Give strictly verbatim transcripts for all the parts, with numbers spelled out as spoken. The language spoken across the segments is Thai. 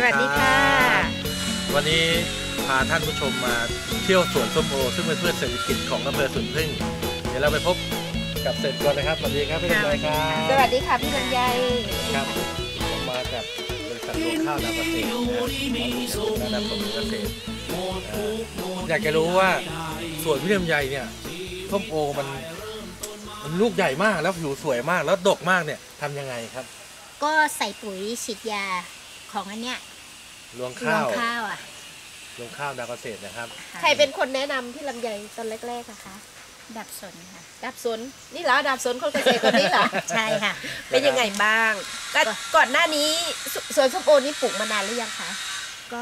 วัสดีค่ะวันนี้พาท่านผู้ชมมาเที่ยวสวนส้มโอซึ่งเป็นพืชเศรษฐกิจของอำเภอสวนพึ่งเดี๋ยวเราไปพบกับเศรษฐกรนะครับสวัสดีครับพี่ลำไยครับสวัสดีค่ะพี่ลำไยครับผมมากับบริษัทรวงข้าวนาเกษตรนะระดับผลเกษตรอยากจะรู้ว่าสวนพี่ลำไยเนี่ยส้มโอมันมันลูกใหญ่มากแล้วผิวสวยมากแล้วดกมากเนี่ยทำยังไงครับก็ใส่ปุ๋ยฉีดยาของอันเนี้ยรวงข้าวรวงข้าวอ่ะรวงข้าวนาเกษตรนะครับใครเป็นคนแนะนำพี่ลำไยตอนแรกๆอะคะดับสนค่ะดับสนนี่เหรอดับสนคนเกษตรคนนี้เหรอใช่ค่ะเป็นยังไงบ้างก็ก่อนหน้านี้สวนส้มโอนี่ปลูกมานานหรือยังคะก็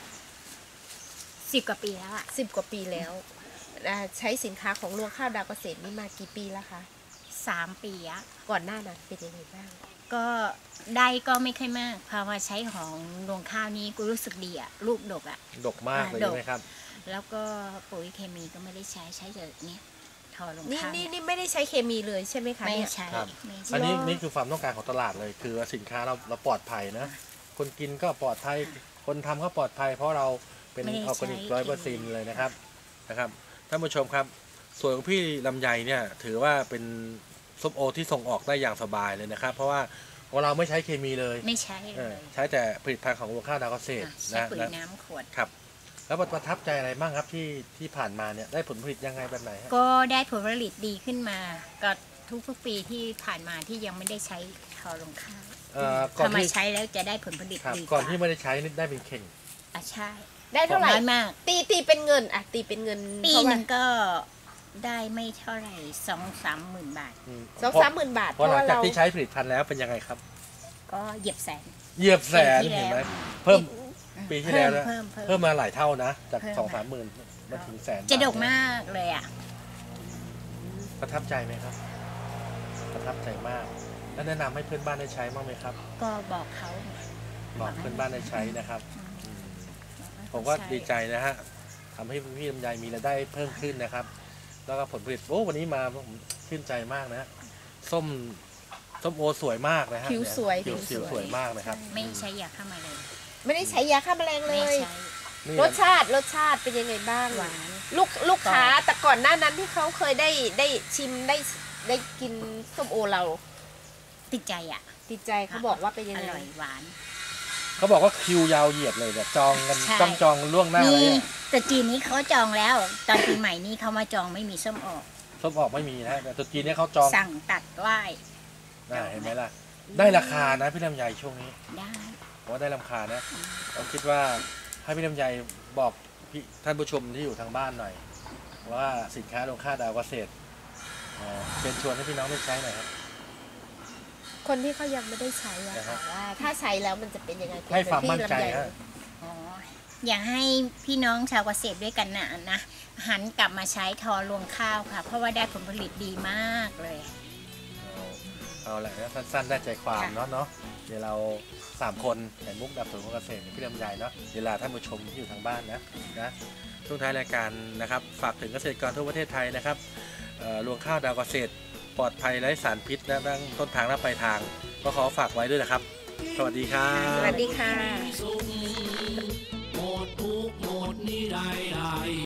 สิบกว่าปีแล้วอ่ะสิบกว่าปีแล้วใช้สินค้าของรวงข้าวดาวเกษตรนี่มากี่ปีแล้วคะสามปีอะก่อนหน้านั้นเป็นยังไงบ้างก็ได้ก็ไม่ค่อยมากพอมาใช้ของรวงข้าวนี้กูรู้สึกดีอ่ะลูกดกอ่ะดกมากเลยใช่ไหมครับแล้วก็ปุ๋ยเคมีก็ไม่ได้ใช้ใช้แต่เนี้ยทอรวงข้าวนี่นี่ไม่ได้ใช้เคมีเลยใช่ไหมคะไม่ใช่อันนี้นี่คือความต้องการของตลาดเลยคือสินค้าเราเราปลอดภัยนะคนกินก็ปลอดภัยคนทำก็ปลอดภัยเพราะเราเป็นออร์แกนิกร้อยเปอร์เซ็นต์เลยนะครับนะครับท่านผู้ชมครับส่วนของพี่ลำไยเนี่ยถือว่าเป็นส้มโอที่ส่งออกได้อย่างสบายเลยนะครับเพราะว่าของเราไม่ใช้เคมีเลยไม่ใช้เลยใช้แต่ผลิตภัณฑ์ของรวงข้าวนาเกษตรใช้ปุ๋ยน้ำขวดครับแล้วประทับใจอะไรบ้างครับที่ที่ผ่านมาเนี่ยได้ผลผลิตยังไงแบบไหนก็ได้ผลผลิตดีขึ้นมาก็ทุกทุกปีที่ผ่านมาที่ยังไม่ได้ใช้ทอรวงข้าวพอมาใช้แล้วจะได้ผลผลิตดีก่อนที่ไม่ได้ใช้นี่ได้เป็นเข่งอ่ะใช่ได้เท่าไหร่มากตีตีเป็นเงินอ่ะตีเป็นเงินปีนึงก็ได้ไม่เท่าไหร่สองสามหมื่นบาทสองสามหมื่นบาทเพราะหลังจากที่ใช้ผลิตภัณฑ์แล้วเป็นยังไงครับก็เหยียบแสนเหยียบแสนเห็นไหมเพิ่มปีที่แล้วนะเพิ่มมาหลายเท่านะจากสองสามหมื่นมาถึงแสนจะดกมากเลยอ่ะประทับใจไหมครับประทับใจมากแล้วแนะนำให้เพื่อนบ้านได้ใช้บ้างไหมครับก็บอกเขาบอกเพื่อนบ้านได้ใช้นะครับผมก็ดีใจนะฮะทำให้พี่ลำไยมีรายได้เพิ่มขึ้นนะครับแล้วก็ผลผลิตโอ้วันนี้มาผมชื่นใจมากนะส้มส้มโอสวยมากนะฮะผิวสวยผิวสวยมากนะครับไม่ใช้ยาฆ่าแมลงไม่ได้ใช้ยาฆ่าแมลงเลยรสชาติรสชาติเป็นยังไงบ้างหวานลูกลูกค้าแต่ก่อนหน้านั้นที่เขาเคยได้ได้ชิมได้ได้กินส้มโอเราติดใจอ่ะติดใจเขาบอกว่าเป็นยังไงอร่อยหวานเขาบอกว่าคิวยาวเหยียดเลยแบบจองกันต้องจองล่วงหน้าเลยแต่จีนนี้เขาจองแล้วตอนปีใหม่นี้เขามาจองไม่มีส้มออกส้มออกไม่มีนะแต่ตัวจีนนี้เขาจองสั่งตัดไหว้ได้เห็นไหมล่ะได้ราคานะพี่ลำไยช่วงนี้ได้ว่าได้ราคานะผมคิดว่าให้พี่ลำไยบอกพี่ท่านผู้ชมที่อยู่ทางบ้านหน่อยว่าสินค้ารวงข้าวดาวเกษตรเชิญชวนให้พี่น้องได้ใช้หน่อยครับคนที่เขายังไม่ได้ใช้อะค่ะว่าถ้าใช้แล้วมันจะเป็นยังไงให้ความมั่นใจนะอ๋ออยากให้พี่น้องชาวเกษตรด้วยกันนะนะหันกลับมาใช้ทอรวงข้าวค่ะเพราะว่าได้ผลผลิตดีมากเลยเอาแหละสั้นๆได้ใจความเนาะเนาะเดี๋ยวเราสามคนแห่งมุกดับสวนของเกษตรพี่ลำไยเนาะเวลาท่านผู้ชมที่อยู่ทางบ้านนะนะช่วงท้ายรายการนะครับฝากถึงเกษตรกรทั่วประเทศไทยนะครับรวงข้าวดาวเกษตรปลอดภัยไร้สารพิษนะทั้งต้นทางและปลายทางก็ขอฝากไว้ด้วยนะครับสวัสดีครับสวัสดีค่ะ